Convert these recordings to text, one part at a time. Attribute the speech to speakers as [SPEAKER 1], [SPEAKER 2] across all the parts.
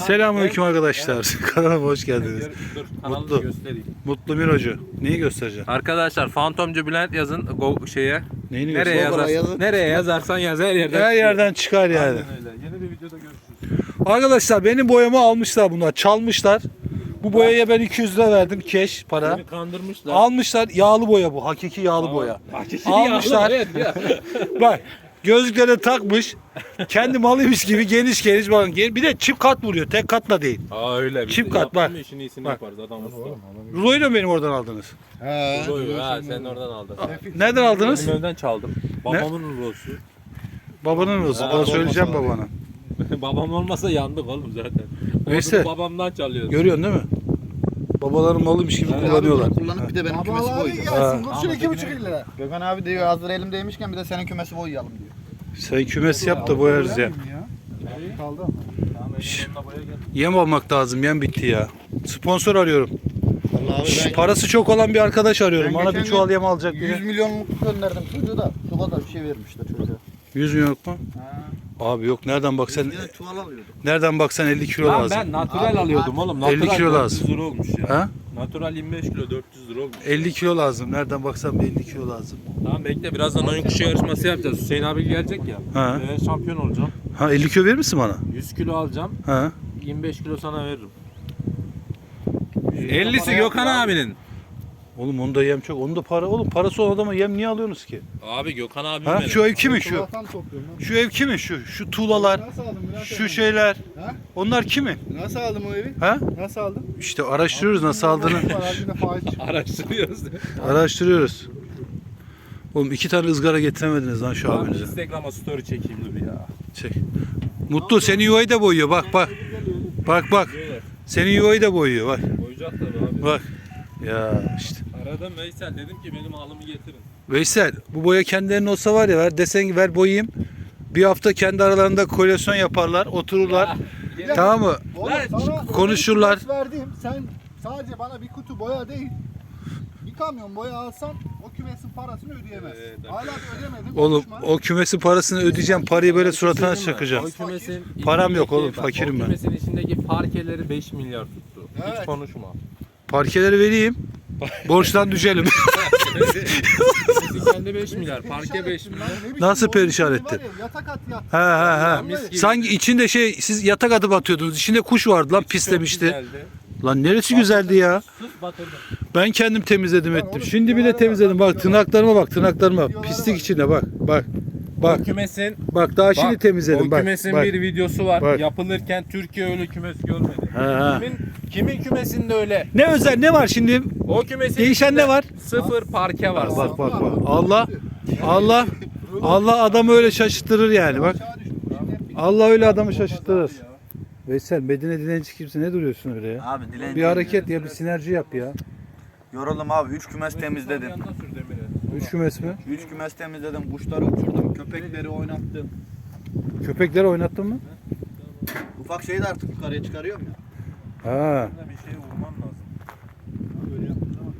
[SPEAKER 1] Selamünaleyküm arkadaşlar. Kanalıma hoş geldiniz.
[SPEAKER 2] Dur,
[SPEAKER 1] Mutlu.
[SPEAKER 2] göstereyim.
[SPEAKER 1] Mutlu Mirocu. Neyi göstereceksin?
[SPEAKER 2] Arkadaşlar Fantomcu Bülent yazın şeye.
[SPEAKER 1] Neyini
[SPEAKER 2] Nereye
[SPEAKER 1] göstereceksin?
[SPEAKER 2] yazarsan, nereye yazarsan yaz her yerden.
[SPEAKER 1] Her yerden çıkar yani.
[SPEAKER 2] Aynen öyle. Yeni bir videoda görüşürüz.
[SPEAKER 1] Arkadaşlar benim boyamı almışlar bunlar. Çalmışlar. Bu boyaya ben 200 lira verdim keş para.
[SPEAKER 2] Beni kandırmışlar.
[SPEAKER 1] Almışlar, yağlı boya bu. Hakiki yağlı boya. Almışlar. Bak gözlükleri takmış. Kendi malıymış gibi geniş geniş bakın. Bir de çift kat vuruyor. Tek katla değil.
[SPEAKER 2] Aa öyle. Biz
[SPEAKER 1] Çift
[SPEAKER 2] de
[SPEAKER 1] kat, bak.
[SPEAKER 2] yaptın mı işin iyisini
[SPEAKER 1] Bak.
[SPEAKER 2] yaparız adam usta.
[SPEAKER 1] Ruloyu da benim oradan aldınız.
[SPEAKER 2] Ruloyu ha sen oradan aldın.
[SPEAKER 1] Nereden aldınız?
[SPEAKER 2] Benim evden çaldım. Babamın rulosu.
[SPEAKER 1] Babanın rulosu. Bana söyleyeceğim babana.
[SPEAKER 2] Babam olmasa yandık oğlum zaten.
[SPEAKER 1] Neyse.
[SPEAKER 2] Neyse. Babamdan çalıyoruz.
[SPEAKER 1] Görüyorsun değil mi? Babaların malıymış gibi
[SPEAKER 2] Evet,
[SPEAKER 1] kullanıyorlar.
[SPEAKER 3] Kullanıp bir de benim kümesi boyayacağım.
[SPEAKER 1] Ha.
[SPEAKER 3] Kurşun 2,5 lira. Gökhan abi diyor hazır elimdeymişken bir de senin kümesi boyayalım diyor.
[SPEAKER 1] Sen kümes yap da boyarız ya.
[SPEAKER 3] Kaldı.
[SPEAKER 1] Yem almak lazım. Yem bitti ya. Sponsor arıyorum.
[SPEAKER 3] Vallahi abi ben
[SPEAKER 1] Parası çok olan bir arkadaş arıyorum.
[SPEAKER 3] Ben
[SPEAKER 1] Bana bir
[SPEAKER 3] geçen
[SPEAKER 1] çuval
[SPEAKER 3] gün
[SPEAKER 1] yem alacak
[SPEAKER 3] 100
[SPEAKER 1] diye.
[SPEAKER 3] milyonluk gönderdim çocuğu da şu kadar bir şey vermişler çocuğa.
[SPEAKER 1] 100 milyon mu?
[SPEAKER 3] Ha.
[SPEAKER 1] Abi yok nereden baksan
[SPEAKER 3] Bir de çuval alıyordum.
[SPEAKER 1] nereden baksan 50 kilo
[SPEAKER 2] Lan
[SPEAKER 1] lazım.
[SPEAKER 2] ben natural
[SPEAKER 3] Abi,
[SPEAKER 2] alıyordum oğlum. Natural
[SPEAKER 1] 50 kilo
[SPEAKER 2] 400
[SPEAKER 1] lazım.
[SPEAKER 2] lira olmuş ya.
[SPEAKER 1] Ha?
[SPEAKER 2] Natural 25 kilo 400 lira olmuş.
[SPEAKER 1] 50 kilo lazım. Nereden baksan 50 kilo lazım.
[SPEAKER 2] Tamam bekle birazdan oyun kuşu yarışması yapacağız. Hüseyin abi gelecek ya.
[SPEAKER 1] Ha.
[SPEAKER 2] Ben şampiyon olacağım.
[SPEAKER 1] Ha 50 kilo verir misin bana?
[SPEAKER 2] 100 kilo alacağım.
[SPEAKER 1] Ha.
[SPEAKER 2] 25 kilo sana veririm. 50'si Gökhan abinin.
[SPEAKER 1] Oğlum onda yem çok. Onda para. Oğlum parası olan adama yem niye alıyorsunuz ki?
[SPEAKER 2] Abi Gökhan abi
[SPEAKER 1] Ha?
[SPEAKER 2] benim.
[SPEAKER 1] Şu ev kimin şu?
[SPEAKER 3] Kulaktan topluyorum lan.
[SPEAKER 1] Şu ev kimin şu? Şu tuğlalar,
[SPEAKER 3] Nasıl aldın Bülent
[SPEAKER 1] şu
[SPEAKER 3] abi?
[SPEAKER 1] şeyler.
[SPEAKER 3] Ha?
[SPEAKER 1] Onlar kimin?
[SPEAKER 3] Nasıl aldın o evi?
[SPEAKER 1] Ha?
[SPEAKER 3] Nasıl aldın?
[SPEAKER 1] İşte araştırıyoruz nasıl aldığını.
[SPEAKER 3] Var, bir de faiz çıktı.
[SPEAKER 2] Araştırıyoruz.
[SPEAKER 1] Araştırıyoruz. Oğlum 2 tane ızgara getiremediniz lan şu
[SPEAKER 2] Tamam,
[SPEAKER 1] abinize.
[SPEAKER 2] Instagram'a story çekeyim dur ya.
[SPEAKER 1] Çek. Mutlu senin yuvayı da boyuyor bak bak. Bak bak. Senin yuvayı da boyuyor bak.
[SPEAKER 2] Koyacak tabii abi.
[SPEAKER 1] Bak. Ya işte.
[SPEAKER 2] Aradım Veysel dedim ki benim alımı getirin.
[SPEAKER 1] Veysel bu boya kendilerinin olsa var ya ver desen ki ver boyayayım. Bir hafta kendi aralarında koalisyon yaparlar otururlar.
[SPEAKER 2] Ya,
[SPEAKER 1] Tamam mı?
[SPEAKER 3] Oğlum,
[SPEAKER 2] Lan,
[SPEAKER 3] sana
[SPEAKER 1] konuşurlar.
[SPEAKER 3] öyle bir verdim. Sen sadece bana bir kutu boya değil. Bir kamyon boya alsan o kümesin parasını ödeyemezsin.
[SPEAKER 2] Evet,
[SPEAKER 3] Hala da ödemedin.
[SPEAKER 1] Oğlum
[SPEAKER 3] konuşma.
[SPEAKER 1] o kümesin parasını ödeyeceğim. Parayı böyle suratına
[SPEAKER 2] Söyleyeyim mi?
[SPEAKER 1] çakacağım.
[SPEAKER 2] O kümesin
[SPEAKER 1] Param yok oğlum,
[SPEAKER 2] içindeki-
[SPEAKER 1] fakirim
[SPEAKER 2] o
[SPEAKER 1] ben.
[SPEAKER 2] kümesin içindeki parkeleri 5 milyar tuttu.
[SPEAKER 3] Evet.
[SPEAKER 2] Hiç konuşma.
[SPEAKER 1] Parkeleri vereyim. Borçtan düşelim.
[SPEAKER 2] Kümesin kendi 5 milyar. Parke 5 milyar.
[SPEAKER 1] Nasıl
[SPEAKER 3] boyun
[SPEAKER 1] perişan
[SPEAKER 3] üstünde
[SPEAKER 1] etti?
[SPEAKER 3] var ya, yatak at yat.
[SPEAKER 1] Ha ha ha.
[SPEAKER 2] Mis gibi.
[SPEAKER 1] Sanki içinde şey siz yatak atıp atıyordunuz. İçinde kuş vardı lan pislemişti.
[SPEAKER 2] Çok güzeldi.
[SPEAKER 1] Lan neresi güzeldi ya?
[SPEAKER 2] Sus batırdım.
[SPEAKER 1] Ben kendim temizledim ettim.
[SPEAKER 3] oğlum,
[SPEAKER 1] Şimdi bir de
[SPEAKER 3] videolara
[SPEAKER 1] temizledim.
[SPEAKER 3] bak,
[SPEAKER 1] Bak tırnaklarıma bak tırnaklarıma.
[SPEAKER 3] Videolara
[SPEAKER 1] Pislik
[SPEAKER 3] bak.
[SPEAKER 1] içinde bak. Bak. Bak.
[SPEAKER 2] O kümesin
[SPEAKER 1] Bak daha şimdi temizledim
[SPEAKER 2] o
[SPEAKER 1] bak.
[SPEAKER 2] kümesin
[SPEAKER 1] Bak.
[SPEAKER 2] bir videosu var.
[SPEAKER 1] Bak.
[SPEAKER 2] Yapılırken Türkiye öyle kümes görmedi.
[SPEAKER 1] Ha, ha.
[SPEAKER 2] Kimin kümesinde öyle?
[SPEAKER 1] Ne özel ne var şimdi?
[SPEAKER 2] O kümesin
[SPEAKER 1] Değişen
[SPEAKER 2] içinde
[SPEAKER 1] ne var?
[SPEAKER 2] Sıfır parke var.
[SPEAKER 1] Bak bak bak. Allah adamı öyle şaşırtırır yani bak.
[SPEAKER 3] Aşağı düşmüş.
[SPEAKER 1] Allah öyle adamı şaşırtırır. Veysel Medine dilenci kimsin? Ne duruyorsun öyle ya?
[SPEAKER 4] Abi dilenci.
[SPEAKER 1] Bir hareket ya bir sinerji yap ya.
[SPEAKER 4] Yoruldum abi. 3 kümes temizledim.
[SPEAKER 2] Yanına sür demiri.
[SPEAKER 1] 3 kümes mi?
[SPEAKER 4] 3 kümes temizledim. Kuşları uçurdum. Köpekleri oynattım.
[SPEAKER 1] Köpekleri oynattın mı?
[SPEAKER 4] Ufak şeyi de artık yukarıya çıkarıyorum ya.
[SPEAKER 1] Ha.
[SPEAKER 2] Bir şey vurman lazım.
[SPEAKER 4] Böyle yaptığın zaman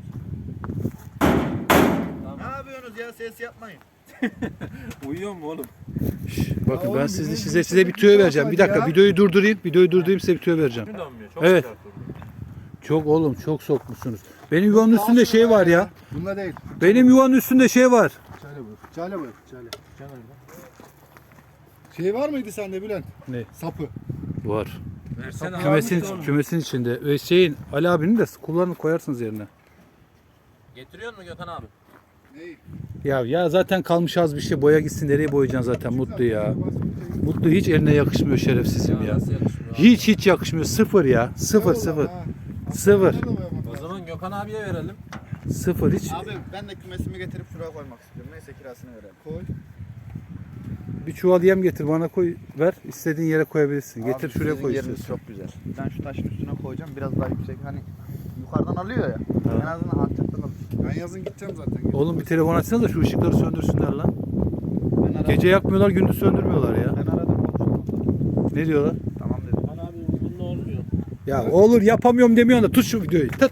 [SPEAKER 4] dövüyorsun. Ne yapıyorsunuz ya? Ses yapmayın.
[SPEAKER 2] Uyuyor mu oğlum?
[SPEAKER 1] Bakın
[SPEAKER 3] Ya
[SPEAKER 1] ben
[SPEAKER 3] oğlum,
[SPEAKER 1] size bir tüyo vereceğim. Bir dakika
[SPEAKER 3] ya.
[SPEAKER 1] videoyu durdurayım. Videoyu durdurayım size bir tüyo vereceğim.
[SPEAKER 2] Kim dönmüyor? Çok
[SPEAKER 1] Evet.
[SPEAKER 2] güzel durdu.
[SPEAKER 1] Çok oğlum çok sokmuşsunuz. Benim yuvanın üstünde şey var ya.
[SPEAKER 3] Bunda değil.
[SPEAKER 1] Benim yuvanın üstünde şey var.
[SPEAKER 3] Çale buyur. Çale buyur. Çale. Şey var mıydı sende Bülent?
[SPEAKER 1] Ne?
[SPEAKER 3] Sapı.
[SPEAKER 1] Var.
[SPEAKER 2] Versene abi.
[SPEAKER 1] Kümesin içinde. Ve şeyin Ali abinin de kullanıp koyarsınız yerine.
[SPEAKER 2] Getiriyor mu Gökhan abi?
[SPEAKER 3] Neyi?
[SPEAKER 1] Ya zaten kalmış az bir şey. Boya gitsin nereye boyayacaksın zaten Mutlu ya. Mutlu hiç eline yakışmıyor şerefsizim ya.
[SPEAKER 2] Nasıl yakışmıyor abi?
[SPEAKER 1] Hiç yakışmıyor. Sıfır ya. Sıfır sıfır. Sıfır.
[SPEAKER 2] O zaman Gökhan abiye verelim.
[SPEAKER 1] Sıfır hiç.
[SPEAKER 4] Abi ben de kümesimi getirip şuraya koymak istiyorum. Neyse kirasını verelim.
[SPEAKER 3] Koy.
[SPEAKER 1] Bir çuval yem getir bana koy ver. İstediğin yere koyabilirsin. Getir
[SPEAKER 4] Abi,
[SPEAKER 1] şuraya
[SPEAKER 4] sizin
[SPEAKER 1] koy
[SPEAKER 4] yeriniz
[SPEAKER 1] istiyorsan.
[SPEAKER 4] çok güzel. Ben şu taşın üstüne koyacağım. Biraz daha yüksek. Hani yukarıdan alıyor ya. En azından alçaktan alır.
[SPEAKER 3] Ben yazın gideceğim zaten.
[SPEAKER 1] Oğlum bir telefon açsana da şu ışıkları söndürsünler lan.
[SPEAKER 4] Ben aradım.
[SPEAKER 1] Gece yakmıyorlar, gündüz söndürmüyorlar ya.
[SPEAKER 4] Ben aradım. Konuştum.
[SPEAKER 1] Ne diyorlar?
[SPEAKER 4] Tamam dedim.
[SPEAKER 2] Gökhan abi bununla olmuyor.
[SPEAKER 1] Ya olur yapamıyorum demiyorsun da tut şu videoyu. Tut.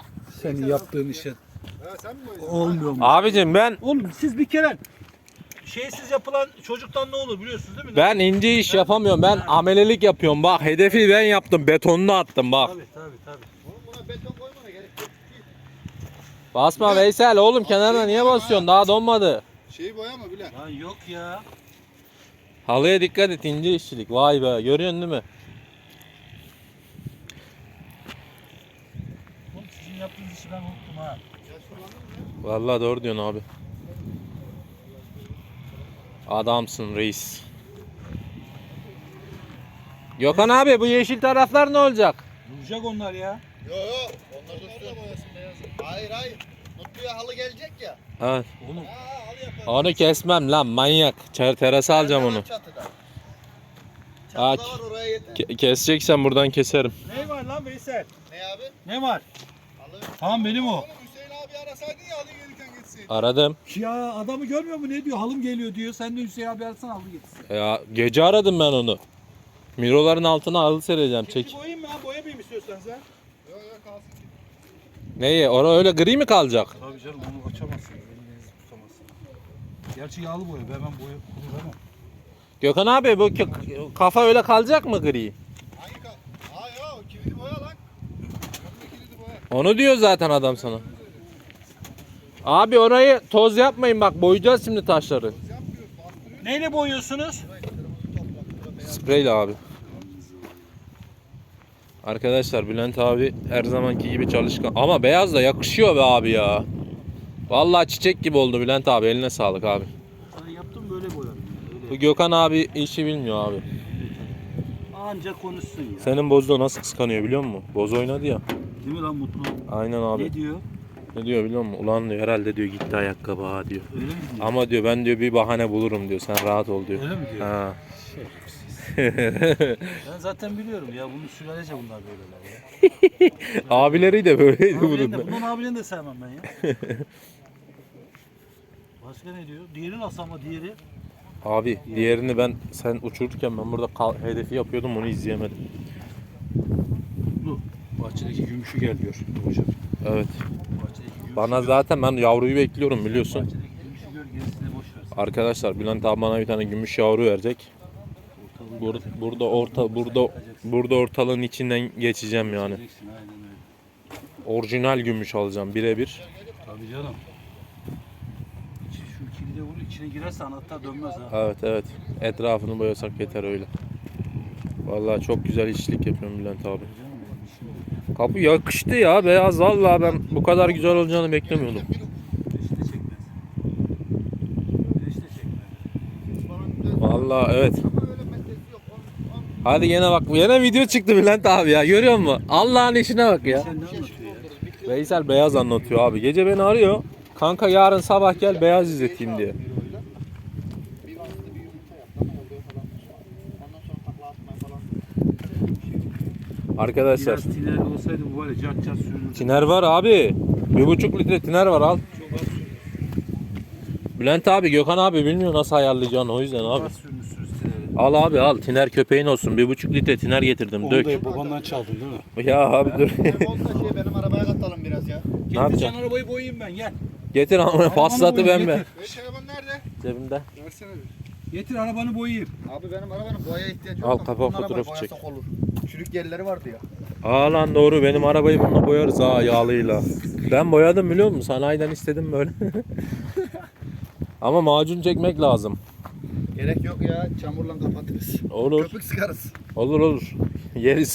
[SPEAKER 1] Senin yaptığın işe
[SPEAKER 3] Ha, sen mi boyayacaksın?
[SPEAKER 1] olmuyor mu?
[SPEAKER 2] Abicim ben
[SPEAKER 1] Oğlum siz bir kere şeysiz yapılan çocuktan ne olur biliyorsunuz değil mi?
[SPEAKER 2] Ben ince iş yapamıyorum. Ben amelelik yapıyorum. Bak hedefi ben yaptım. Betonunu attım bak.
[SPEAKER 1] Tabii.
[SPEAKER 3] Oğlum buna beton koymana gerek yok.
[SPEAKER 2] Basma Veysel oğlum kenarına niye basıyorsun? Daha donmadı.
[SPEAKER 3] Şeyi boyama bile.
[SPEAKER 1] Lan yok ya.
[SPEAKER 2] Halıya dikkat et ince işçilik. Vay be görüyorsun değil mi?
[SPEAKER 1] Oğlum sizin yaptığınız işi ben unuttum ha.
[SPEAKER 2] Vallahi doğru diyorsun abi. Adamsın reis. Gökhan abi bu yeşil taraflar ne olacak?
[SPEAKER 1] Duracak onlar ya.
[SPEAKER 3] Yo. Onlar da boyasın beyazı. Hayır. Mutluya halı gelecek ya.
[SPEAKER 2] Evet.
[SPEAKER 1] Oğlum
[SPEAKER 3] Halı yapalım.
[SPEAKER 2] Onu kesmem lan manyak. Terasa alacağım onu.
[SPEAKER 3] Çatıda.
[SPEAKER 2] Aa,
[SPEAKER 3] Çatıda var oraya yeter.
[SPEAKER 2] keseceksen buradan keserim.
[SPEAKER 1] ne var lan Veysel?
[SPEAKER 3] Ne abi?
[SPEAKER 1] Ne var?
[SPEAKER 3] Halı.
[SPEAKER 1] Tamam benim o.
[SPEAKER 3] Oğlum Hüseyin abi arasaydın ya halı gelirken gitsin.
[SPEAKER 2] Aradım.
[SPEAKER 1] Ya adamı görmüyor mu ne diyor? Halım geliyor diyor. Sen de Hüseyin abi arasana halı getirsin.
[SPEAKER 2] Ya gece aradım ben onu. Miroların altına halı sereceğim. Çek.
[SPEAKER 1] boyayayım mı ha? Boyamayayım istiyorsanız ha.
[SPEAKER 3] Yo kalsın ki.
[SPEAKER 2] Neyi? Orada öyle gri mi kalacak?
[SPEAKER 1] Tabii canım onu açamazsın. Elinizi tutamazsın. Gerçi yağlı boya. Ben boya kullanamam.
[SPEAKER 2] Gökhan abi bu kafa öyle kalacak mı gri?
[SPEAKER 3] Hangi kal? Aa yo kilidi boya lan. Önünde kilidi boya.
[SPEAKER 2] Onu diyor zaten adam sana. Abi orayı toz yapmayın bak boyayacağız şimdi taşları.
[SPEAKER 3] Yapmıyoruz bastırıyoruz.
[SPEAKER 1] Neyle boyuyorsunuz?
[SPEAKER 2] Spreyle abi. Arkadaşlar Bülent abi her zamanki gibi çalışkan. Ama beyaz da yakışıyor be abi ya. Vallahi çiçek gibi oldu Bülent abi eline sağlık abi.
[SPEAKER 1] Ben yaptım böyle boyadım.
[SPEAKER 2] Bu Gökhan abi işi bilmiyor abi.
[SPEAKER 1] Ancak konuşsun ya.
[SPEAKER 2] Senin Bozo nasıl kıskanıyor biliyor musun? Bozo oynadı ya.
[SPEAKER 1] Değil mi lan Mutlu?
[SPEAKER 2] Aynen abi.
[SPEAKER 1] Ne diyor?
[SPEAKER 2] Ne diyor biliyor musun? Ulan diyor herhalde diyor gitti ayakkabı ha diyor.
[SPEAKER 1] Öyle mi diyor?
[SPEAKER 2] Ama diyor ben diyor bir bahane bulurum diyor. Sen rahat ol diyor.
[SPEAKER 1] Öyle mi diyor?
[SPEAKER 2] Ha.
[SPEAKER 1] Ben zaten biliyorum ya. Bunu sülalece bunlar böyleler ya.
[SPEAKER 2] Abileri de böyleydi
[SPEAKER 1] Abilerini
[SPEAKER 2] bunun.
[SPEAKER 1] de, bunun abilerini de sevmem ben ya. Başka ne diyor? Diğeri nasıl ama diğeri?
[SPEAKER 2] Abi diğerini sen uçururken ben burada hedefi yapıyordum onu izleyemedim.
[SPEAKER 1] Bu. Bahçedeki gümüşü gel diyor hocam.
[SPEAKER 2] Evet.
[SPEAKER 1] Bahçedeki gümüşü
[SPEAKER 2] Bana zaten ben yavruyu bekliyorum biliyorsun.
[SPEAKER 1] Bahçedeki gümüşü gör gerisini boş ver.
[SPEAKER 2] Arkadaşlar Bülent abi bana bir tane gümüş yavru verecek. Burada ortalığın içinden geçeceğim yani.
[SPEAKER 1] Diyeceksin, aynen öyle.
[SPEAKER 2] Orijinal gümüş alacağım birebir.
[SPEAKER 1] Tabii canım. Şu kilide vur içine girerse anahtar dönmez ha.
[SPEAKER 2] Evet. Etrafını boyasak yeter öyle. Vallahi çok güzel işçilik yapıyorum Bülent abi. Kapı yakıştı ya beyaz vallahi ben bu kadar güzel olacağını beklemiyordum.
[SPEAKER 1] Güneş de çekmez. Güneş de çekmez.
[SPEAKER 2] Vallahi evet.
[SPEAKER 3] Ama öyle metresi yok.
[SPEAKER 2] Hadi gene bak yine video çıktı Bülent abi ya görüyor musun? Allah'ın işine bak ya.
[SPEAKER 1] Sen ne anlatıyor ya?
[SPEAKER 2] Veysel beyaz anlatıyor abi. Gece beni arıyor. Kanka yarın sabah gel beyaz izleteyim diye.
[SPEAKER 3] Bir bastı bir yumurta yaptı ama oluyor falan. Ondan sonra takla atmaya falan.
[SPEAKER 2] Arkadaşlar
[SPEAKER 1] Biraz tiner olsaydı bu var ya cart cart sürünür.
[SPEAKER 2] tiner var abi. 1,5 litre tiner var al.
[SPEAKER 1] Çok az sürünür.
[SPEAKER 2] Bülent abi Gökhan abi bilmiyor nasıl ayarlayacağını o yüzden
[SPEAKER 1] Çok
[SPEAKER 2] abi.
[SPEAKER 1] az sürünürsünüz tineri.
[SPEAKER 2] Al abi al tiner köpeğin olsun 1,5 litre tiner getirdim dök.
[SPEAKER 1] Onu da babandan çaldın değil mi?
[SPEAKER 2] Ya abi dur.
[SPEAKER 3] Olsa benim arabaya katalım biraz ya.
[SPEAKER 1] Getir
[SPEAKER 2] yapacaksın?
[SPEAKER 1] sen arabayı boyayayım ben gel.
[SPEAKER 2] Getir ama paslatı ben be.
[SPEAKER 3] Telefon nerede?
[SPEAKER 2] Cebimde.
[SPEAKER 3] Versene bir.
[SPEAKER 1] Getir arabanı boyayayım.
[SPEAKER 3] Abi benim arabanın boyaya ihtiyacı yok.
[SPEAKER 2] Al,
[SPEAKER 3] da
[SPEAKER 2] kapak
[SPEAKER 3] bunun arabayı
[SPEAKER 2] fotoğrafı
[SPEAKER 3] boyasak
[SPEAKER 2] çek.
[SPEAKER 3] olur. Çürük yerleri vardı ya.
[SPEAKER 2] Aa lan doğru benim arabayı bununla boyarız ha yağlıyla. Ben boyadım biliyor musun? Sanayiden istedim böyle. Ama macun çekmek lazım.
[SPEAKER 3] Gerek yok ya. Çamurla kapatırız.
[SPEAKER 2] Olur.
[SPEAKER 3] Köpük sıkarız.
[SPEAKER 2] Olur. Yeriz.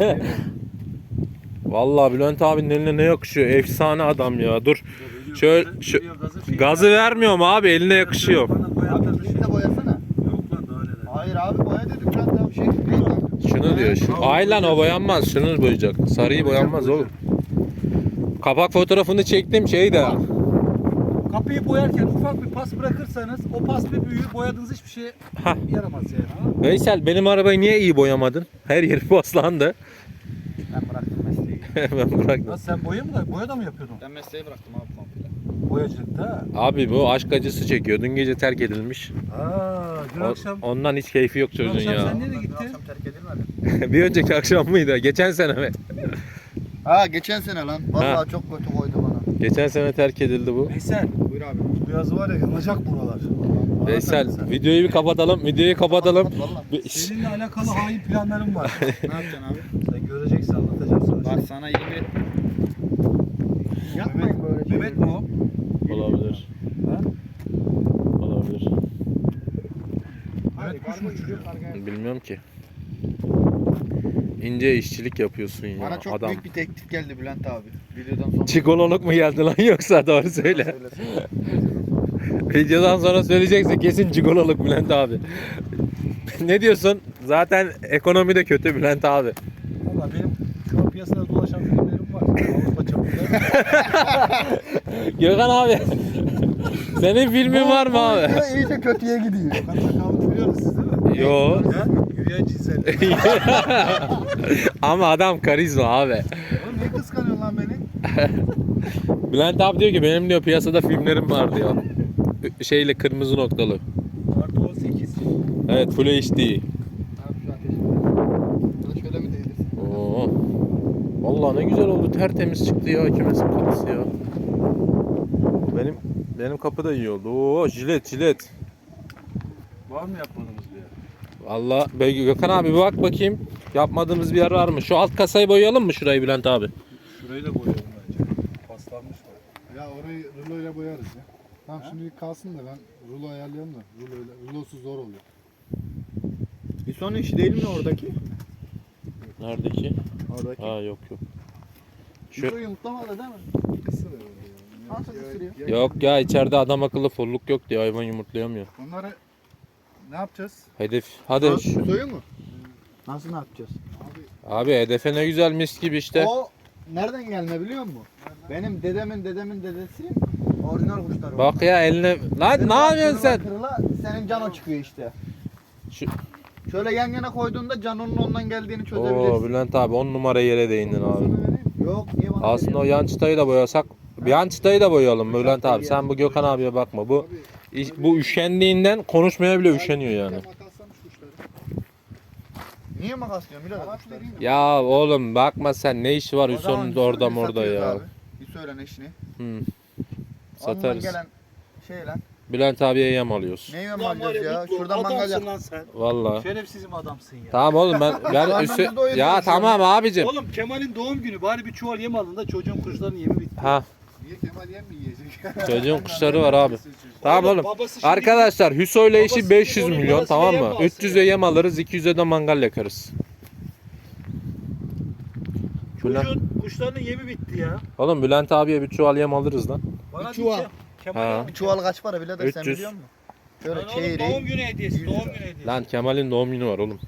[SPEAKER 2] Vallahi Bülent abinin eline ne yakışıyor? Efsane adam ya. Dur. Şöyle gazı vermiyorum abi eline yakışıyor.
[SPEAKER 1] Bana boya
[SPEAKER 3] Abi
[SPEAKER 1] atar.
[SPEAKER 3] bir de boyasana.
[SPEAKER 1] Yok lan daha neler.
[SPEAKER 3] Hayır abi boya dedim. Biraz daha şey değil lan.
[SPEAKER 2] Şunu diyor. Ay lan o boyanmaz. Şunu boyayacak. Sarıyı boyanmaz oğlum. Kapak fotoğrafını çektim şey de.
[SPEAKER 1] Kapıyı boyarken ufak bir pas bırakırsanız o pas bir büyür boyadığınız hiçbir şeye
[SPEAKER 2] Hah.
[SPEAKER 1] yaramaz yani. Ha?
[SPEAKER 2] Veysel benim arabayı niye iyi boyamadın? Her yeri paslandı.
[SPEAKER 3] Ben bıraktım mesleği.
[SPEAKER 2] Ben bıraktım.
[SPEAKER 1] Lan sen boya da mı yapıyordun?
[SPEAKER 3] Ben mesleği bıraktım abi komple.
[SPEAKER 1] Boyacılıkta ha.
[SPEAKER 2] Abi bu aşk acısı çekiyor. Dün gece terk edilmiş.
[SPEAKER 1] Dün akşam.
[SPEAKER 2] Ondan hiç keyfi yok
[SPEAKER 1] Dün
[SPEAKER 2] çocuğun
[SPEAKER 1] akşam
[SPEAKER 2] ya.
[SPEAKER 1] sen nereye
[SPEAKER 3] Dün
[SPEAKER 1] gittin?
[SPEAKER 3] akşam terk edilmedi.
[SPEAKER 2] Bir önceki akşam mıydı? Geçen sene mi?
[SPEAKER 3] Ha geçen sene lan. Vallahi çok kötü koydu bana.
[SPEAKER 2] Geçen sene terk edildi bu.
[SPEAKER 1] Veysel.
[SPEAKER 3] Buyur
[SPEAKER 4] abi.
[SPEAKER 3] Bu yaz var ya yanacak buralar.
[SPEAKER 2] Veysel videoyu bir kapatalım. Videoyu kapatalım.
[SPEAKER 4] Vallahi.
[SPEAKER 1] Seninle alakalı hain planlarım var.
[SPEAKER 4] Ne yapacaksın abi?
[SPEAKER 1] Sen göreceksin, anlatacağım sana.
[SPEAKER 4] Bak sana iyi bir... Yapmayın böyle şeyleri.
[SPEAKER 1] Mehmet mi o?
[SPEAKER 2] Olabilir.
[SPEAKER 1] Ha?
[SPEAKER 2] Olabilir.
[SPEAKER 1] Mehmet kuş mu uçuruyor?
[SPEAKER 2] Bilmiyorum ki. İnce işçilik yapıyorsun ya
[SPEAKER 4] Bana çok
[SPEAKER 2] adam.
[SPEAKER 4] büyük bir teklif geldi Bülent abi. Videodan sonra.
[SPEAKER 2] Çikololuk mu geldi lan yoksa doğru söyle. Videodan sonra söyleyeceksin kesin çikololuk Bülent abi. Ne diyorsun? Zaten ekonomi de kötü Bülent abi.
[SPEAKER 1] Valla benim şu an piyasada dolaşan filmlerim var. Avrupa çapında.
[SPEAKER 2] Gökhan abi. Senin filmin var mı abi?
[SPEAKER 4] İyice kötüye gidiyor.
[SPEAKER 1] Kavga biliyoruz siz değil mi?
[SPEAKER 2] Yo.
[SPEAKER 1] Ha? Yürüyen cinsellik.
[SPEAKER 2] Ama adam karizma abi.
[SPEAKER 3] Oğlum niye kıskanıyorsun lan beni?
[SPEAKER 2] Bülent abi diyor ki benim diyor piyasada filmlerim var diyor. Şeyle kırmızı noktalı.
[SPEAKER 1] Artı 18.
[SPEAKER 2] Evet Full HD.
[SPEAKER 4] Abi şu ateşi. Bunu şöyle mi değdirsin?
[SPEAKER 2] Oo. Vallahi ne güzel oldu. Tertemiz çıktı ya kümesin kapısı ya. Benim kapı da iyi oldu. Oo jilet.
[SPEAKER 1] Var mı yapmadığımız bir yer?
[SPEAKER 2] Vallahi Gökhan abi bir bak bakayım. Yapmadığımız bir yer var mı? Şu alt kasayı boyayalım mı şurayı Bülent abi?
[SPEAKER 1] Şurayı da boyayalım bence. Paslanmış var.
[SPEAKER 3] Ya orayı ruloyla boyarız ya. Tamam şimdilik kalsın da ben rulo ayarlayalım da. Rulosuz zor oluyor.
[SPEAKER 4] Bir son işi değil mi oradaki?
[SPEAKER 2] Neredeki?
[SPEAKER 4] Oradaki.
[SPEAKER 2] Ha yok. Şu-
[SPEAKER 4] Şu yumurtlamadı değil mi?
[SPEAKER 3] Kısır öyle ya.
[SPEAKER 4] Nasıl ısırıyor?
[SPEAKER 2] Yok ya içeride adam akıllı folluk yok diye hayvan yumurtlayamıyor.
[SPEAKER 3] Bunları ne yapacağız?
[SPEAKER 2] Hedef. Hadi.
[SPEAKER 4] Soyu mu? Nasıl ne yapacağız?
[SPEAKER 2] Abi hedefe ne güzel mis gibi işte.
[SPEAKER 4] O nereden gelme biliyor musun? Benim dedemin dedesi orijinal kuşları.
[SPEAKER 2] Bak ya eline. Lan ne yapıyorsun sen?
[SPEAKER 4] Kırıla, senin cano çıkıyor işte.
[SPEAKER 2] Şu-
[SPEAKER 4] Şöyle yan yana koyduğunda canonun ondan geldiğini
[SPEAKER 2] Oo
[SPEAKER 4] çözebilirsin.
[SPEAKER 2] Bülent abi 10 numara yere değindin abi.
[SPEAKER 4] Yok niye bana
[SPEAKER 2] Aslında o
[SPEAKER 4] veriyorsun?
[SPEAKER 2] yan çıtayı da boyasak. Yan çıtayı da boyayalım Bülent abi. Sen bu Gökhan abiye bakma. Bu üşendiğinden konuşmaya bile üşeniyor yani.
[SPEAKER 3] Makaslamış kuşları.
[SPEAKER 4] Niye makaslıyorsun birader
[SPEAKER 3] Makas
[SPEAKER 4] kuşları?
[SPEAKER 3] vereyim mi?
[SPEAKER 2] Ya oğlum bakma sen ne işi var
[SPEAKER 4] O zaman
[SPEAKER 2] Hüsnü'nün de orada
[SPEAKER 4] Hüsnü'yü
[SPEAKER 2] morda
[SPEAKER 4] satıyoruz
[SPEAKER 2] ya.
[SPEAKER 4] abi. Bir söyle eşini.
[SPEAKER 2] Hı.
[SPEAKER 4] Ondan
[SPEAKER 2] Satarız.
[SPEAKER 4] gelen şey lan.
[SPEAKER 2] Bülent abiye yem alıyoruz.
[SPEAKER 4] Ne yiyorum alacağız ya? Şuradan mangal yap.
[SPEAKER 1] lan sen.
[SPEAKER 2] Valla.
[SPEAKER 1] Şerefsizim adamsın ya.
[SPEAKER 2] Tamam oğlum ben
[SPEAKER 4] Karnımızı doyuruyoruz
[SPEAKER 2] ya
[SPEAKER 4] ya.
[SPEAKER 2] tamam abicim.
[SPEAKER 1] Oğlum Kemal'in doğum günü bari bir çuval yem alın da çocuğun kuşlarının yemi bitti.
[SPEAKER 2] Ha
[SPEAKER 3] Niye Kemal yem mi yiyecek?
[SPEAKER 2] çocuğun kuşları var abi. Tamam oğlum.
[SPEAKER 1] Babası şimdi-
[SPEAKER 2] Arkadaşlar Hüso ile işi
[SPEAKER 1] Babası
[SPEAKER 2] 500
[SPEAKER 1] onun
[SPEAKER 2] milyon
[SPEAKER 1] parasıyla
[SPEAKER 2] tamam
[SPEAKER 1] yem
[SPEAKER 2] mı?
[SPEAKER 1] alsın
[SPEAKER 2] 300'e
[SPEAKER 1] ya.
[SPEAKER 2] yem alırız 200'e de mangal yakarız.
[SPEAKER 1] Çocuğun kuşlarının yemi bitti ya.
[SPEAKER 2] Oğlum Bülent abiye bir çuval yem alırız lan.
[SPEAKER 1] Bana
[SPEAKER 4] Bir çuval.
[SPEAKER 1] değil ki, Kemal
[SPEAKER 2] Ha.
[SPEAKER 1] alın.
[SPEAKER 4] Bir çuval kaç para birader sen
[SPEAKER 2] 300.
[SPEAKER 4] biliyor musun? Şöyle
[SPEAKER 1] Lan oğlum doğum
[SPEAKER 4] çeyreği.
[SPEAKER 1] günü hediyesi,
[SPEAKER 4] 100
[SPEAKER 1] doğum
[SPEAKER 4] lira.
[SPEAKER 1] günü hediyesi.
[SPEAKER 2] Lan Kemal'in doğum günü var oğlum.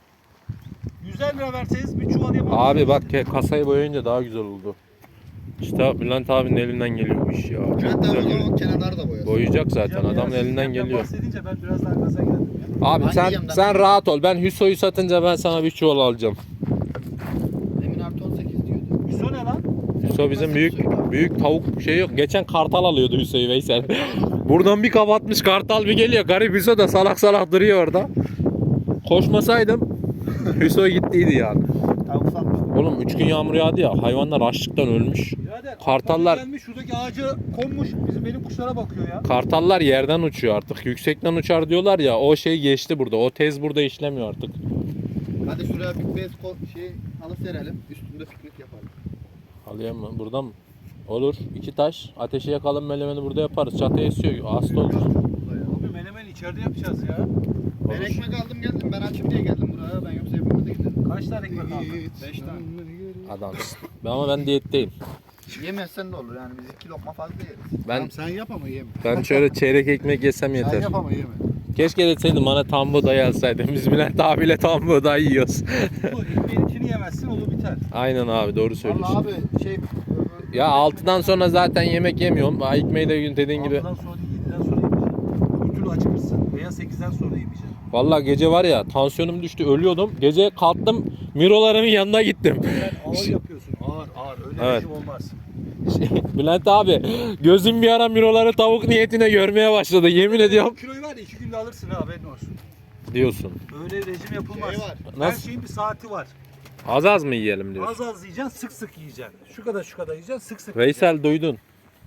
[SPEAKER 1] 100 lira verseniz bir çuval yem alırsınız.
[SPEAKER 2] Abi bak kasayı boyayınca daha güzel oldu. İşte Bülent abinin elinden geliyor bu iş ya. Çok
[SPEAKER 4] Bülent
[SPEAKER 2] güzel
[SPEAKER 4] abi o
[SPEAKER 2] yürü-
[SPEAKER 4] zaman kenarları da boyasın.
[SPEAKER 2] Boyayacak
[SPEAKER 1] Ya
[SPEAKER 2] zaten
[SPEAKER 1] biraz
[SPEAKER 2] adamın elinden
[SPEAKER 1] sistemden
[SPEAKER 2] geliyor.
[SPEAKER 1] bahsedince ben biraz daha gaza geldim ya.
[SPEAKER 2] Abi
[SPEAKER 4] Hangi
[SPEAKER 2] sen
[SPEAKER 4] yemden?
[SPEAKER 2] sen rahat ol. Ben Hüso'yu satınca ben sana bir çuval alacağım.
[SPEAKER 4] Emin artı 18 diyordu.
[SPEAKER 1] Hüso ne lan?
[SPEAKER 2] Hüso bizim büyük tavuk şey yok. Geçen kartal alıyordu Hüso'yu Veysel. Buradan bir kapatmış kartal bir geliyor. Garip Hüso da salak salak duruyor orada. Koşmasaydım Hüso gittiydi yani.
[SPEAKER 4] Tavuk satmıştım.
[SPEAKER 2] Oğlum 3 gün yağmur yağdı ya hayvanlar açlıktan ölmüş.
[SPEAKER 1] Birader,
[SPEAKER 2] Kartallar-
[SPEAKER 1] adam gelmiş şuradaki ağaca konmuş benim kuşlara bakıyor ya.
[SPEAKER 2] Kartallar yerden uçuyor artık. Yüksekten uçar diyorlar ya o şey geçti burada. O tez burada işlemiyor artık.
[SPEAKER 4] Hadi şuraya bir bez şey alıp serelim. Üstünde piknik yapalım.
[SPEAKER 2] Alayım mı? Burada mı? Olur. 2 taş. Ateşi yakalım melemeni burada yaparız. Çatıya esiyor. Hasta olur.
[SPEAKER 1] Abi menemen içeride yapacağız ya.
[SPEAKER 4] Ben
[SPEAKER 2] Olur.
[SPEAKER 4] ekmek aldım geldim. Ben açım diye geldim buraya. Ben yoksa hepimiz de giderim.
[SPEAKER 1] Kaç tane ekmek aldın?
[SPEAKER 4] 5 tane.
[SPEAKER 2] Adamsın. Ama ben diyetteyim.
[SPEAKER 4] Yemezsen de olur yani biz 2 lokma fazla yeriz.
[SPEAKER 2] Ben
[SPEAKER 3] Tamam sen yap ama yeme.
[SPEAKER 2] ben şöyle çeyrek ekmek yesem
[SPEAKER 3] Sen
[SPEAKER 2] yeter.
[SPEAKER 3] yap ama yeme.
[SPEAKER 2] Keşke deseydin bana tam buğday alsaydın. Biz Bülent abiyle tam buğday yiyoruz.
[SPEAKER 1] Bu ekmeğin içini yemezsin olur biter.
[SPEAKER 2] Aynen abi doğru söylüyorsun.
[SPEAKER 4] Vallahi abi şey
[SPEAKER 2] Ya 6'dan sonra zaten yemek yemiyorum. Ha, ekmeği de dediğin gibi.
[SPEAKER 1] 6'dan sonra değil 7'den sonra yemeyeceksin. Öbür türlü acıkırsın. Veya 8'den sonra yemeyeceksin.
[SPEAKER 2] Vallahi gece var ya tansiyonum düştü ölüyordum. Gece kalktım mirolarımın yanına gittim.
[SPEAKER 1] Sen ağır yapıyorsun. Ağır. Öyle
[SPEAKER 2] Evet.
[SPEAKER 1] rejim olmaz.
[SPEAKER 2] Bülent abi gözüm bir ara miroları tavuk niyetine görmeye başladı. Yemin ediyorum.
[SPEAKER 1] Kiloyu var ya 2 günde alırsın ha haberin olsun.
[SPEAKER 2] Diyorsun.
[SPEAKER 1] Öyle rejim yapılmaz.
[SPEAKER 4] Şey var.
[SPEAKER 1] Her
[SPEAKER 2] Nasıl?
[SPEAKER 1] şeyin bir saati var.
[SPEAKER 2] Az az mı yiyelim diyorsun.
[SPEAKER 1] Az az yiyeceksin, sık sık yiyeceksin. Şu kadar yiyeceksin, sık sık
[SPEAKER 2] Veysel duydun.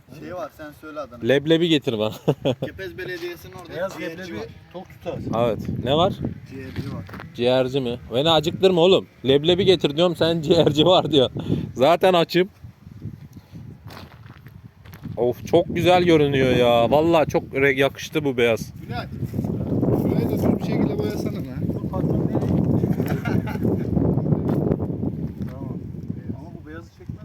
[SPEAKER 4] Şey var sen söyle adını.
[SPEAKER 2] Leblebi getir bana.
[SPEAKER 4] Kepez Belediyesi'nin orada
[SPEAKER 1] Beyaz
[SPEAKER 4] ciğerci
[SPEAKER 1] leblebi
[SPEAKER 4] var.
[SPEAKER 1] tok tutar.
[SPEAKER 2] Evet. Ne var?
[SPEAKER 4] Ciğerci var.
[SPEAKER 2] Ciğerci mi? Beni acıktırma oğlum. Leblebi getir diyorum, sen ciğerci var diyor. Zaten açım. Of, çok güzel görünüyor ya. Vallahi çok yakıştı bu beyaz.
[SPEAKER 3] Bülent. Şurayı da düz bir şekilde boyasana lan.
[SPEAKER 1] Bu patron nereye? Tamam. Ama bu beyazı çekmez.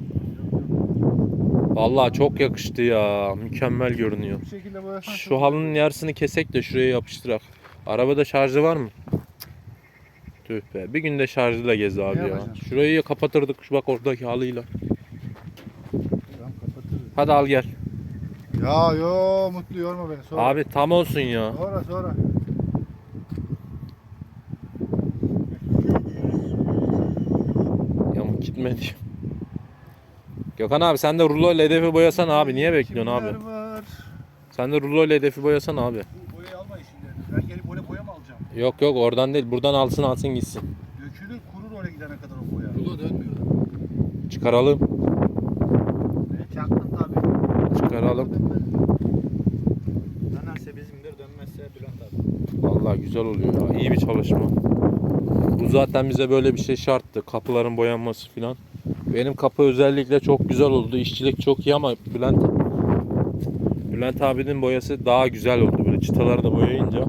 [SPEAKER 2] Vallahi çok yakıştı ya. Mükemmel görünüyor.
[SPEAKER 3] Bir şekilde boyasan.
[SPEAKER 2] Şu halının yarısını kesek de şuraya yapıştırak. Arabada şarjı var mı? Tüh be. Bir günde şarjıyla gez abi
[SPEAKER 3] Ne
[SPEAKER 2] ya.
[SPEAKER 3] yapacaksın?
[SPEAKER 2] Şurayı kapatırdık şu bak oradaki halıyla.
[SPEAKER 3] Tamam kapatırız.
[SPEAKER 2] Hadi al gel.
[SPEAKER 3] Ya yo Mutlu yorma beni. Sonra.
[SPEAKER 2] Abi tam olsun ya.
[SPEAKER 3] Sonra.
[SPEAKER 2] Yamuk gitme diyor. Gökhan abi sen de rulo ile hedefi boyasan abi. Niye bekliyorsun abi?
[SPEAKER 3] Kimler var?
[SPEAKER 2] Sen de rulo ile hedefi boyasan abi.
[SPEAKER 1] Bu boyayı alma işinde. Ben gelip oraya boya mı alacağım?
[SPEAKER 2] Yok yok oradan değil. Buradan alsın gitsin.
[SPEAKER 1] Dökülür kurur oraya gidene kadar o boya.
[SPEAKER 3] Rulo dönmüyor.
[SPEAKER 2] Çıkaralım.
[SPEAKER 4] Çaktın tabii.
[SPEAKER 2] Çıkaralım.
[SPEAKER 4] Dönerse bizimdir, dönmezse Bülent abi.
[SPEAKER 2] Vallahi güzel oluyor ya. İyi bir çalışma. Bu zaten bize böyle bir şey şarttı. Kapıların boyanması filan. Benim kapı özellikle çok güzel oldu. İşçilik çok iyi ama Bülent abinin boyası daha güzel oldu. Böyle çıtaları da boyayınca.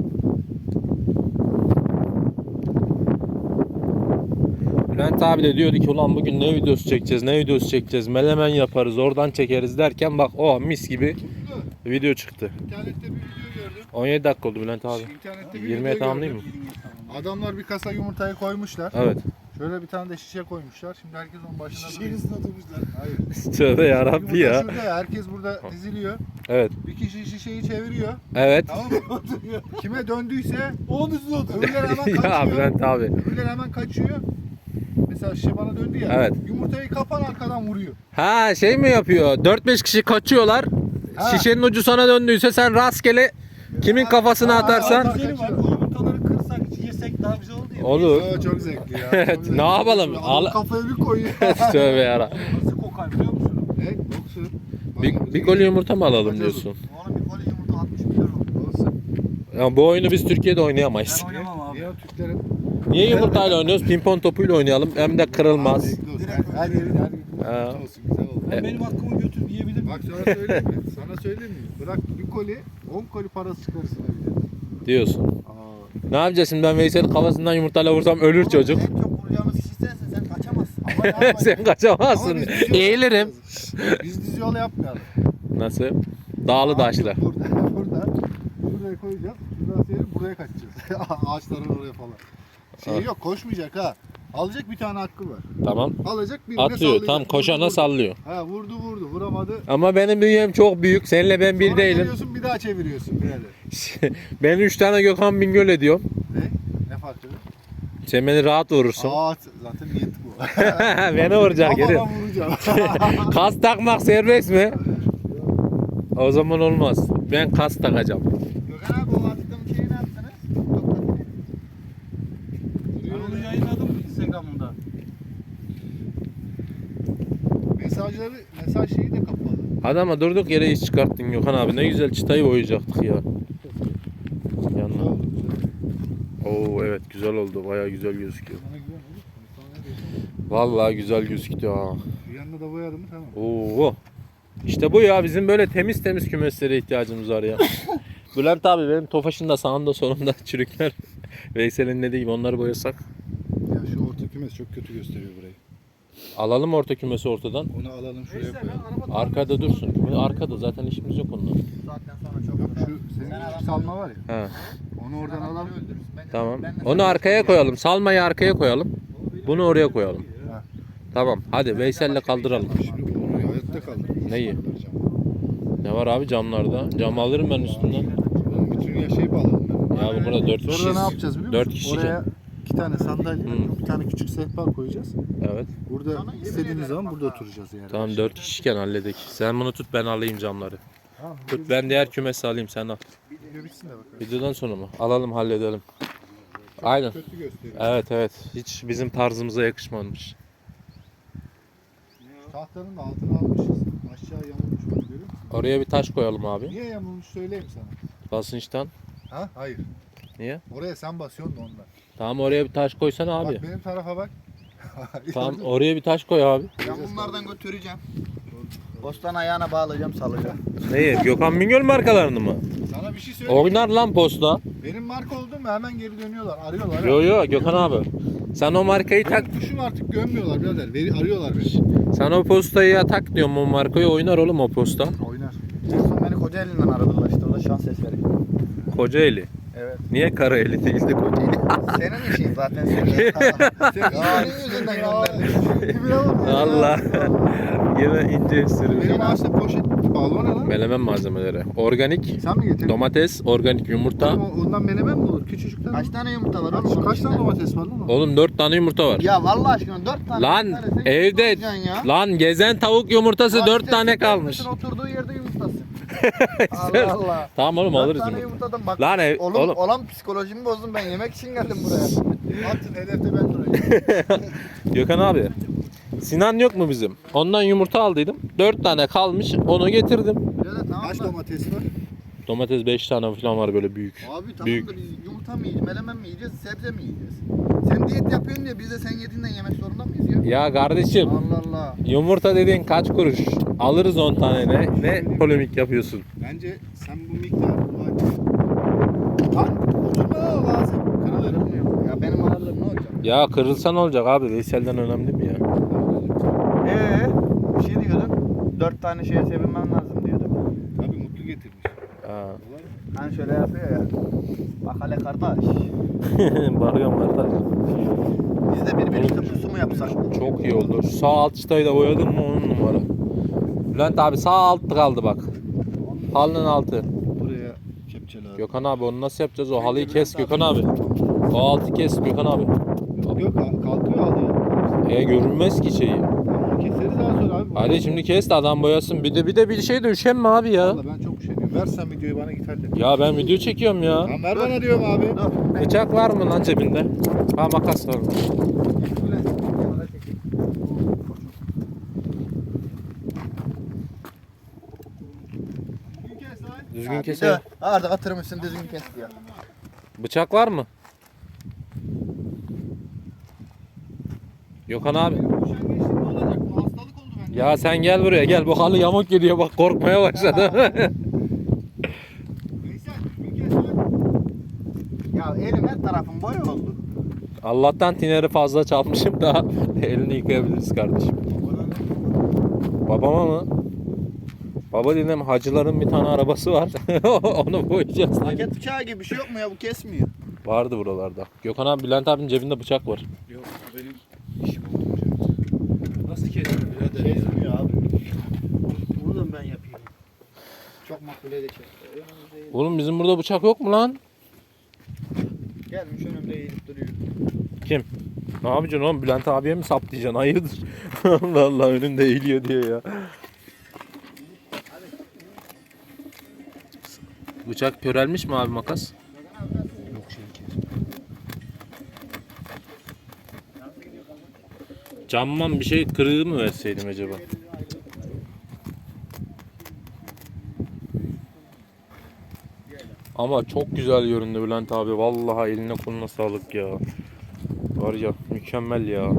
[SPEAKER 2] Bülent abi de diyordu ki ulan bugün ne videosu çekeceğiz, menemen yaparız, oradan çekeriz derken bak o mis gibi video çıktı.
[SPEAKER 3] İnternette bir video gördüm.
[SPEAKER 2] 17 dakika oldu Bülent abi.
[SPEAKER 3] İnternette bir
[SPEAKER 2] 20'ye
[SPEAKER 3] video
[SPEAKER 2] tamamlayayım
[SPEAKER 3] gördüm.
[SPEAKER 2] mı?
[SPEAKER 3] Adamlar bir kasa yumurtayı koymuşlar.
[SPEAKER 2] Evet.
[SPEAKER 3] Şöyle bir tane de şişe koymuşlar. Şimdi herkes onun başına
[SPEAKER 1] Şişenin üstüne oturmuşlar.
[SPEAKER 3] Hayır.
[SPEAKER 2] Tövbe yarabbi
[SPEAKER 3] Yumurta
[SPEAKER 2] ya.
[SPEAKER 3] şurada ya. Herkes burada diziliyor.
[SPEAKER 2] Evet.
[SPEAKER 3] Bir kişi şişeyi çeviriyor.
[SPEAKER 2] Evet.
[SPEAKER 3] Tamam mı? Kime döndüyse
[SPEAKER 1] Onun üstüne otur.
[SPEAKER 3] öbürleri hemen
[SPEAKER 2] ya
[SPEAKER 3] kaçıyor.
[SPEAKER 2] Bülent abi.
[SPEAKER 3] Öbürleri hemen kaçıyor. Mesela şişe bana döndü ya.
[SPEAKER 2] Evet.
[SPEAKER 3] Yumurtayı kapan arkadan vuruyor.
[SPEAKER 2] Ha şey mi yapıyor? 4-5 kişi kaçıyorlar.
[SPEAKER 3] Ha.
[SPEAKER 2] Şişenin ucu sana döndüyse sen rastgele kimin kafasına
[SPEAKER 3] Ha,
[SPEAKER 2] atarsan.
[SPEAKER 3] ha,
[SPEAKER 1] Güzeli var. O yumurtaları kırsak, yesek daha güzel oldu ya.
[SPEAKER 2] Olur.
[SPEAKER 3] Aa, çok zevkli ya.
[SPEAKER 2] Evet,
[SPEAKER 3] Çok zevkli.
[SPEAKER 2] ne yapalım?
[SPEAKER 3] Adam
[SPEAKER 2] Al-
[SPEAKER 3] kafaya bir koyuyor.
[SPEAKER 2] Tövbe yara.
[SPEAKER 1] Nasıl kokar biliyor musun?
[SPEAKER 3] Ne? Yoksun.
[SPEAKER 2] Bir koli yumurta mı alalım diyorsun?
[SPEAKER 4] Onun bir koli yumurta 60 milyon oldu.
[SPEAKER 3] Olsun.
[SPEAKER 2] Ya bu oyunu biz Türkiye'de oynayamayız.
[SPEAKER 1] Ben oynamam abi.
[SPEAKER 3] Niye o Türklerin?
[SPEAKER 2] Niye yumurtayla oynuyoruz? Pimpon topuyla oynayalım. Hem de kırılmaz.
[SPEAKER 3] Her yerin her gün
[SPEAKER 2] Ha.
[SPEAKER 3] yumurta olsun güzel oldu.
[SPEAKER 1] Ben benim hakkımı götürüp yiyebilir miyim?
[SPEAKER 3] Bak sana söyleyeyim mi? Sana söyleyeyim mi? Bırak bir koli 10 koli parası çıkarırsın evde.
[SPEAKER 2] Diyorsun.
[SPEAKER 3] Aa.
[SPEAKER 2] Ne yapacağız şimdi, ben Veysel'in kafasından yumurtayla vursam ölür çocuk.
[SPEAKER 4] En çok vuracağımız kişi sensin, sen kaçamazsın.
[SPEAKER 3] Ama ne yapalım?
[SPEAKER 2] Sen kaçamazsın.
[SPEAKER 3] Ama biz düz yol
[SPEAKER 2] Eğilirim.
[SPEAKER 3] yapmayacağız. Biz düz yol yapmayalım.
[SPEAKER 2] Nasıl? Dağlı taşlı.
[SPEAKER 3] Burada. Buraya koyacağız. Şuradan seyredip buraya kaçacağız. Ağaçların oraya falan. Şey yok koşmayacak ha. Alacak bir tane hakkı var.
[SPEAKER 2] Tamam.
[SPEAKER 3] Alacak birine
[SPEAKER 2] Atıyor.
[SPEAKER 3] sallayacak.
[SPEAKER 2] Tam
[SPEAKER 3] Vurdu,
[SPEAKER 2] koşana
[SPEAKER 3] vurdu.
[SPEAKER 2] sallıyor.
[SPEAKER 3] Ha vurdu vuramadı.
[SPEAKER 2] Ama benim bünyem çok büyük. Seninle ben bir
[SPEAKER 3] Sonra
[SPEAKER 2] değilim.
[SPEAKER 3] geliyorsun bir daha çeviriyorsun birader.
[SPEAKER 2] Ben 3 tane Gökhan Bingöl ediyorum.
[SPEAKER 3] Ne? Ne farkı?
[SPEAKER 2] Sen beni rahat vurursun.
[SPEAKER 3] Aa zaten niyet bu.
[SPEAKER 2] Beni vuracak geri.
[SPEAKER 3] Kafadan vuracağım.
[SPEAKER 2] Kas takmak serbest mi? O zaman olmaz. Ben kas takacağım.
[SPEAKER 4] Gökhan abi o attığım şeyi ne yaptınız? TikTok'ta.
[SPEAKER 1] Ben onu yayınladım Instagram'da.
[SPEAKER 3] Mesaj şeyi de kapalı.
[SPEAKER 2] Adama durduk yere iş çıkarttın Gökhan abi. Ne güzel çıtayı boyayacaktık ya. Yanına. Oo evet güzel oldu. Bayağı güzel gözüküyor.
[SPEAKER 3] Bana güven oğlum. Sana ne diyorsun?
[SPEAKER 2] Vallahi güzel gözüküyor ha.
[SPEAKER 3] Bir yanına da boyadım mı tamam.
[SPEAKER 2] Oo. İşte bu ya, bizim böyle temiz temiz kümeslere ihtiyacımız var ya. Bülent abi benim Tofaş'ın da sağında solunda çürükler. Veysel'in dediği gibi onları boyasak.
[SPEAKER 3] Ya şu orta kümes çok kötü gösteriyor burayı.
[SPEAKER 2] Alalım orta kümesi ortadan.
[SPEAKER 3] Onu alalım şuraya koyalım.
[SPEAKER 2] Arkada dursun. Arkada zaten işimiz yok onunla.
[SPEAKER 4] Saatten sonra çok
[SPEAKER 3] Yok
[SPEAKER 4] uğraştık.
[SPEAKER 3] şu senin
[SPEAKER 4] Sen
[SPEAKER 3] küçük salma var ya.
[SPEAKER 2] He.
[SPEAKER 3] Onu oradan alalım.
[SPEAKER 4] öldürürsün.
[SPEAKER 2] Tamam. Onu arkaya koyalım. Salmayı arkaya koyalım. Bunu oraya koyalım.
[SPEAKER 3] Ha.
[SPEAKER 2] Tamam. Hadi Veysel'le kaldıralım.
[SPEAKER 3] Şimdi onu hayatta kaldır.
[SPEAKER 2] Neyi? Ne var abi camlarda? Cam alırım ben üstünden.
[SPEAKER 3] Onun bütün ya şey bağladım ben.
[SPEAKER 2] Ya bu burada 4
[SPEAKER 3] Sonra
[SPEAKER 2] kişiyiz.
[SPEAKER 3] ne yapacağız biliyor musun?
[SPEAKER 2] 4 kişiyken.
[SPEAKER 3] Oraya 2 tane sandalye,
[SPEAKER 2] Hı.
[SPEAKER 3] bir tane küçük sehpa koyacağız.
[SPEAKER 2] Evet.
[SPEAKER 3] Burada istediğimiz zaman burada oturacağız yani.
[SPEAKER 2] Tamam 4 kişiyken halledik. Sen bunu tut, ben alayım camları.
[SPEAKER 3] Tamam.
[SPEAKER 2] Tut, ben diğer kümesi alayım, sen al.
[SPEAKER 3] Video bitsin de bakalım.
[SPEAKER 2] Videodan sonra mı? Alalım, halledelim. Aynen.
[SPEAKER 3] Kötü gösteriyor.
[SPEAKER 2] Evet. Hiç bizim tarzımıza yakışmamış.
[SPEAKER 3] Tahtanın da altına almışız. aşağı yamulmuş bak, görüyor musun?
[SPEAKER 2] Oraya bir taş koyalım abi.
[SPEAKER 3] Niye yamulmuş söyleyeyim sana.
[SPEAKER 2] Basınçtan.
[SPEAKER 3] Ha? Hayır.
[SPEAKER 2] Niye?
[SPEAKER 3] Oraya sen basıyorsun da ondan.
[SPEAKER 2] Tamam oraya bir taş koysana abi.
[SPEAKER 3] Bak benim tarafa bak.
[SPEAKER 2] Tamam oraya bir taş koy abi.
[SPEAKER 4] Ben bunlardan götüreceğim. Postan ayağına bağlayacağım, salacağım.
[SPEAKER 2] Neyi? Gökhan Bingöl markalarını mı?
[SPEAKER 3] Sana bir şey söyleyeyim.
[SPEAKER 2] Oynar lan posta.
[SPEAKER 3] Benim marka oldum mu hemen geri dönüyorlar. Arıyorlar.
[SPEAKER 2] Yo yo Gökhan abi. Sen o markayı tak.
[SPEAKER 3] Ben kuşum artık gömmüyorlar birader. Arıyorlar beni.
[SPEAKER 2] Sen o postayı ya tak diyorum o markayı oynar oğlum o posta.
[SPEAKER 3] Oynar.
[SPEAKER 4] En son beni Kocaeli'nden aradılar işte, orada şans eseri.
[SPEAKER 2] Kocaeli.
[SPEAKER 4] Evet.
[SPEAKER 2] Niye Karaeli değil de Kocaeli?
[SPEAKER 4] Senin işin zaten senin. Senin yüzünden gönderdim.
[SPEAKER 2] Allah. Yine ince
[SPEAKER 3] Benim
[SPEAKER 2] espri.
[SPEAKER 3] ağaçta poşet bağlı, o ne lan?
[SPEAKER 2] Melemen malzemeleri. Organik
[SPEAKER 3] Sen mi getirdin?
[SPEAKER 2] domates, organik yumurta.
[SPEAKER 3] Ondan menemen mi olur? Küçücükten.
[SPEAKER 4] Kaç tane yumurta var oğlum?
[SPEAKER 3] Kaç tane domates var lan?
[SPEAKER 2] Oğlum 4 tane yumurta var.
[SPEAKER 4] Ya vallahi aşkına 4 tane.
[SPEAKER 2] Lan
[SPEAKER 4] bir tanesi
[SPEAKER 2] evde
[SPEAKER 4] yumurta alacaksın ya.
[SPEAKER 2] lan gezen tavuk yumurtası
[SPEAKER 4] Lan
[SPEAKER 2] 4
[SPEAKER 4] işte
[SPEAKER 2] tane
[SPEAKER 4] sen
[SPEAKER 2] kalmış.
[SPEAKER 4] kendin Oturduğu yerde yumurtası. Allah Allah.
[SPEAKER 2] Tamam oğlum
[SPEAKER 4] 4
[SPEAKER 2] alırız
[SPEAKER 4] tane
[SPEAKER 2] yumurta.
[SPEAKER 4] yumurtadan bak.
[SPEAKER 2] Lan oğlum.
[SPEAKER 4] Olan psikolojimi bozdum, ben yemek için geldim buraya.
[SPEAKER 3] Atın hedefte ben durayım.
[SPEAKER 2] Gökhan abi. Sinan yok mu bizim? Ondan yumurta aldıydım. 4 tane kalmış. Onu getirdim.
[SPEAKER 4] Böyle tamam
[SPEAKER 3] Kaç
[SPEAKER 4] da.
[SPEAKER 3] domates var?
[SPEAKER 2] Domates 5 tane falan var böyle büyük.
[SPEAKER 4] Abi tamam
[SPEAKER 2] Büyük.
[SPEAKER 4] da biz yumurta mı yiyeceğiz, melemen mi yiyeceğiz, sebze mi yiyeceğiz? Sen diyet yapıyorsun diye biz de sen yediğinden yemek zorunda mıyız ya?
[SPEAKER 2] Ya kardeşim
[SPEAKER 4] Allah Allah.
[SPEAKER 2] yumurta dediğin kaç kuruş? Alırız 10 tane ne polemik yapıyorsun?
[SPEAKER 3] Bence sen bu miktarı Lan oturma lazım. Kırılır.
[SPEAKER 4] Ya benim ağırlığım ne olacak?
[SPEAKER 2] Ya kırılsan olacak abi Veysel'den önemli mi ya?
[SPEAKER 4] Bir şey diyordun. 4 tane şeye sevinmem lazım diyordun.
[SPEAKER 3] Abi mutlu getirmiş.
[SPEAKER 2] Ha.
[SPEAKER 4] Hani şöyle yapıyor ya. Bak hele kardeş.
[SPEAKER 2] Bakıyorum kardeş.
[SPEAKER 4] Biz de birbirimizle pusu mu yapsak?
[SPEAKER 2] Çok iyi oldu. Şu sağ alt çıtayı da boyadın mı 10 numara. Bülent abi sağ alt kaldı bak. Halının altı.
[SPEAKER 3] Buraya kepçe lazım.
[SPEAKER 2] Gökhan abi onu nasıl yapacağız? O halıyı kes Gökhan abi. O altı kes Gökhan abi.
[SPEAKER 3] Yok kalkıyor alıyor.
[SPEAKER 2] Görünmez ki şeyi.
[SPEAKER 3] Onu keseriz daha sonra abi.
[SPEAKER 2] Hadi şimdi kes de adam boyasın. Bir de bir şey de üşenme abi ya.
[SPEAKER 3] Valla ben çok üşeniyorum. Ver sen videoyu bana git hallet.
[SPEAKER 2] Ya ben video çekiyorum ya.
[SPEAKER 3] Tamam ver bana diyorum abi.
[SPEAKER 4] Dur.
[SPEAKER 2] Bıçak var mı lan cebinde? Ha makas var. Düzgün keser.
[SPEAKER 4] Arda atırmışsın düzgün kes diyor.
[SPEAKER 2] Bıçak var mı? Gökhan abi.
[SPEAKER 3] Üşengeçlik ne olacak? Bu hastalık oldu bende.
[SPEAKER 2] Ya sen gel buraya gel. Bu halı yamuk gidiyor bak korkmaya başladı.
[SPEAKER 3] Veysel düzgün kes lan.
[SPEAKER 4] Ya elim her tarafım boy oldu.
[SPEAKER 2] Allah'tan tineri fazla çalmışım da elini yıkayabiliriz kardeşim. Babama mı? Baba dedim hacıların bir tane arabası var. Onu boyayacağız.
[SPEAKER 4] Paket bıçağı gibi bir şey yok mu ya, bu kesmiyor.
[SPEAKER 2] Vardı buralarda. Gökhan abi Bülent abinin cebinde bıçak var.
[SPEAKER 1] Yok benim işim olmayacak. Nasıl kesin birader ya?
[SPEAKER 4] Kesmiyor abi.
[SPEAKER 1] Buradan ben yapayım.
[SPEAKER 4] Çok makbule de kes.
[SPEAKER 2] Oğlum bizim burada bıçak yok mu lan?
[SPEAKER 4] Gelmiş önümde eğilip duruyor.
[SPEAKER 2] Kim? Ne yapacaksın oğlum? Bülent abiye mi saplayacaksın? Hayırdır? Allah Allah önünde eğiliyor diyor ya. Bıçak körelmiş mi abi makas?
[SPEAKER 1] Yok şey
[SPEAKER 2] Camman bir şey kırığı mı verseydim acaba? Ama çok güzel göründü Bülent abi. Vallahi eline koluna sağlık ya. Var ya mükemmel ya.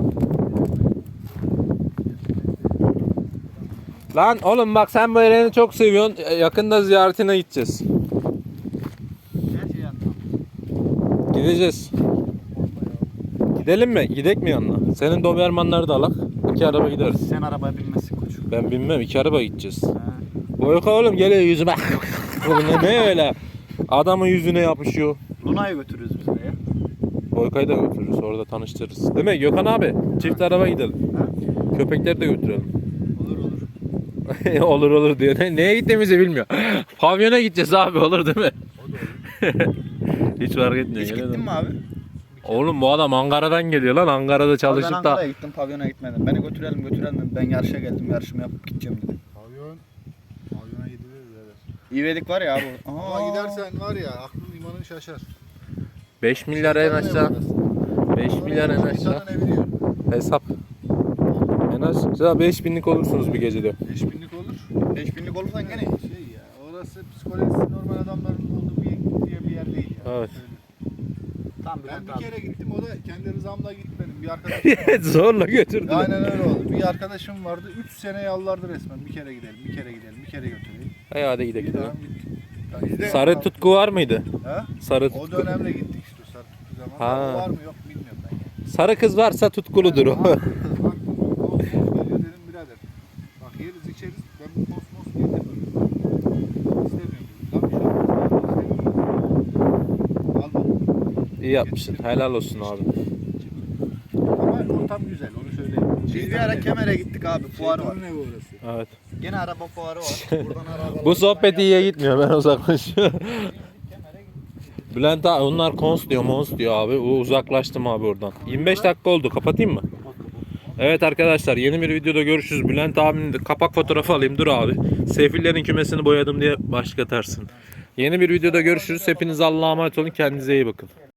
[SPEAKER 2] Lan oğlum bak sen bu Eren'i çok seviyorsun. Yakında ziyaretine gideceğiz.
[SPEAKER 4] Her şey yandı.
[SPEAKER 2] Gideceğiz. Gidelim mi? Gidek mi yanına? Senin Dobermanları da alak. 2 araba gideriz.
[SPEAKER 4] Sen arabaya binmesin koç.
[SPEAKER 2] Ben bilmem 2 araba gideceğiz.
[SPEAKER 4] Ha.
[SPEAKER 2] Boyka oğlum geliyor yüzüme. ne öyle? Adamın yüzüne yapışıyor.
[SPEAKER 4] Luna'yı götürürüz biz de ya.
[SPEAKER 2] Boyka'yı da götürürüz orada tanıştırırız. Değil mi Gökhan abi? Çift araba gidelim.
[SPEAKER 4] Ha?
[SPEAKER 2] Köpekleri de götürelim.
[SPEAKER 4] Olur olur.
[SPEAKER 2] olur diyor. Neye gittiğimizi bilmiyor. Pavyona gideceğiz abi olur değil mi? Hiç fark etmiyor.
[SPEAKER 4] Hiç
[SPEAKER 2] gene de.
[SPEAKER 4] gittin mi abi?
[SPEAKER 2] Oğlum bu adam Ankara'dan geliyor lan. Ankara'da
[SPEAKER 4] Ben
[SPEAKER 2] çalışıp da.
[SPEAKER 4] Ankara'ya gittim, pavyona gitmedim. Beni götürelim dedi. Ben yarışa geldim, yarışımı yapıp gideceğim dedi.
[SPEAKER 3] Pavyona gidilir birader.
[SPEAKER 4] İvedik var ya abi.
[SPEAKER 3] Ama gidersen var ya aklın imanın şaşar.
[SPEAKER 2] 5 milyar en aşağı. 5 milyar en aşağı.
[SPEAKER 3] Şeytanın evi diyor.
[SPEAKER 2] Hesap. En aşağı 5000'lik olursunuz bir gecede.
[SPEAKER 3] 5000'lik olur.
[SPEAKER 4] 5000'lik olursan gene.
[SPEAKER 3] Şey ya, orası psikolojisi normal adamların olduğu bir yer değil ya.
[SPEAKER 2] Evet.
[SPEAKER 4] Tam
[SPEAKER 3] Ben
[SPEAKER 4] Bülent
[SPEAKER 3] bir
[SPEAKER 4] abi.
[SPEAKER 3] kere gittim, o da kendi rızamla gitmedim. Bir arkadaşım
[SPEAKER 2] Zorla götürdüler.
[SPEAKER 3] aynen öyle oldu. Bir arkadaşım vardı, 3 sene yalvardı resmen. Bir kere gidelim, bir kere gidelim, bir kere götüreyim.
[SPEAKER 2] Hadi
[SPEAKER 3] Bir
[SPEAKER 2] gidelim.
[SPEAKER 3] daha gittik. Ya biz de-
[SPEAKER 2] Sarı tutku var mıydı?
[SPEAKER 3] Ha?
[SPEAKER 2] Sarı
[SPEAKER 3] O
[SPEAKER 2] tutku.
[SPEAKER 3] dönemde gittik işte, sarı tuttu zaman.
[SPEAKER 2] Ha.
[SPEAKER 3] O var mı yok mu bilmiyorum ben ya.
[SPEAKER 2] Sarı kız varsa tutkuludur o.
[SPEAKER 3] Baktım, kosmos geliyor, dedim birader. Bak yeriz içeriz, ben bu kosmos getirmiyorum. İstemiyorum. Lan bir şey olmaz. İstemiyorum. Almadım.
[SPEAKER 2] İyi yapmışsın. Helal olsun abi.
[SPEAKER 3] Ama ortam güzel, onu söyleyeyim.
[SPEAKER 4] Biz bir ara Kemer'e gittik abi. Fuarı var.
[SPEAKER 3] Şeytanın evi orası.
[SPEAKER 2] Evet.
[SPEAKER 4] Gene araba fuarı var. Buradan araba.
[SPEAKER 2] Bu sohbet iyiye gitmiyor. Ben uzaklaşıyorum. Bülent abi onlar kons diyor, mons diyor abi. Uzaklaştım abi oradan. 25 dakika oldu. Kapatayım mı? Evet arkadaşlar yeni bir videoda görüşürüz. Bülent abinin de kapak fotoğrafı alayım. Dur abi. Sefillerin kümesini boyadım diye başlatarsın. Yeni bir videoda görüşürüz. Hepiniz Allah'a emanet olun. Kendinize iyi bakın.